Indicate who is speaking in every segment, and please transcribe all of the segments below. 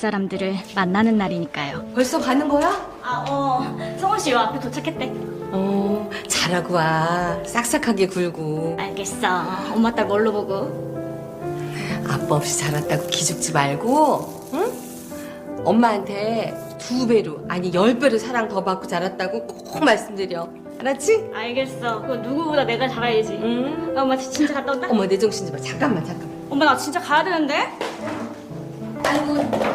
Speaker 1: 사람들을 만나는 날이니까요.
Speaker 2: 벌써 가는 거야?
Speaker 1: 성원 씨 요 앞에 도착했대.
Speaker 2: 잘하고 와. 싹싹하게 굴고.
Speaker 1: 알겠어. 엄마 딸 뭘로 보고?
Speaker 2: 아빠 없이 자랐다고 기죽지 말고, 응? 엄마한테 2배로, 아니 10배로 사랑 더 받고 자랐다고 꼭 말씀드려. 알았지?
Speaker 1: 알겠어. 그거 누구보다 내가 잘해야지.
Speaker 2: 응.
Speaker 1: 엄마 진짜 갔다 온다?
Speaker 2: 어머, 내 정신 좀 봐. 잠깐만.
Speaker 1: 엄마 나 진짜 가야 되는데?
Speaker 2: 아이고,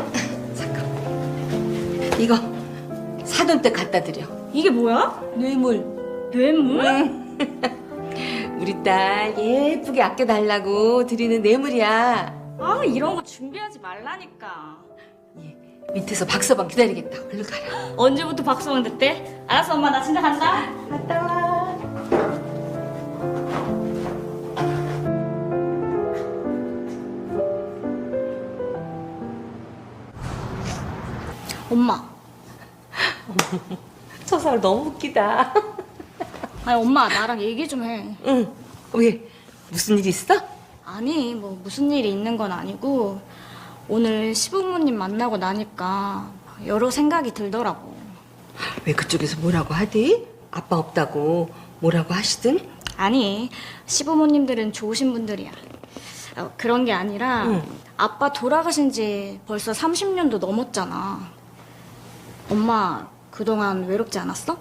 Speaker 2: 잠깐. 이거 사돈 때 갖다 드려.
Speaker 1: 이게 뭐야?
Speaker 2: 뇌물.
Speaker 1: 뇌물?
Speaker 2: 우리 딸 예쁘게 아껴달라고 드리는 뇌물이야.
Speaker 1: 아 이런 거 준비하지 말라니까.
Speaker 2: 밑에서 박서방 기다리겠다. 얼른 가라.
Speaker 1: 언제부터 박수원 됐대? 알았어 엄마 나 진짜 간다.
Speaker 2: 갔다 와.
Speaker 1: 엄마.
Speaker 2: 저 사람 너무 웃기다.
Speaker 1: 아니 엄마 나랑 얘기 좀 해.
Speaker 2: 응. 왜? 무슨 일 있어?
Speaker 1: 아니 뭐 무슨 일이 있는 건 아니고 오늘 시부모님 만나고 나니까 여러 생각이 들더라고.
Speaker 2: 왜 그쪽에서 뭐라고 하디? 아빠 없다고 뭐라고 하시든?
Speaker 1: 아니 시부모님들은 좋으신 분들이야. 그런 게 아니라
Speaker 2: 응.
Speaker 1: 아빠 돌아가신 지 벌써 30년도 넘었잖아. 엄마 그동안 외롭지 않았어?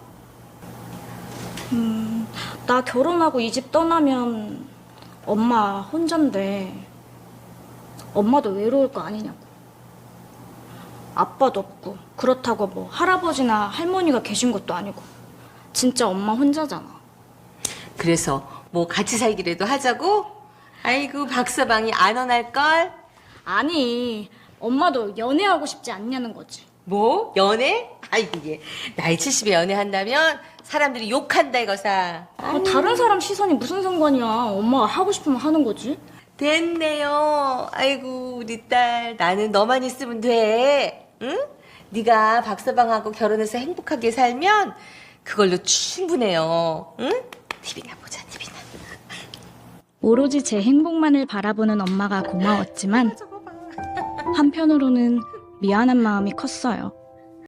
Speaker 1: 나 결혼하고 이 집 떠나면 엄마 혼잔데 엄마도 외로울 거 아니냐고. 아빠도 없고 그렇다고 뭐 할아버지나 할머니가 계신 것도 아니고 진짜 엄마 혼자잖아.
Speaker 2: 그래서 뭐 같이 살기라도 하자고? 아이고 박서방이 안 원할걸?
Speaker 1: 아니 엄마도 연애하고 싶지 않냐는 거지.
Speaker 2: 뭐? 연애? 아이고 얘 나이 70에 연애한다면 사람들이 욕한다 이거사.
Speaker 1: 다른 사람 시선이 무슨 상관이야. 엄마가 하고 싶으면 하는 거지.
Speaker 2: 됐네요. 아이고 우리 딸 나는 너만 있으면 돼. 응? 네가 박서방하고 결혼해서 행복하게 살면 그걸로 충분해요. 응? TV나 보자 TV나.
Speaker 1: 오로지 제 행복만을 바라보는 엄마가 고마웠지만 한편으로는 미안한 마음이 컸어요.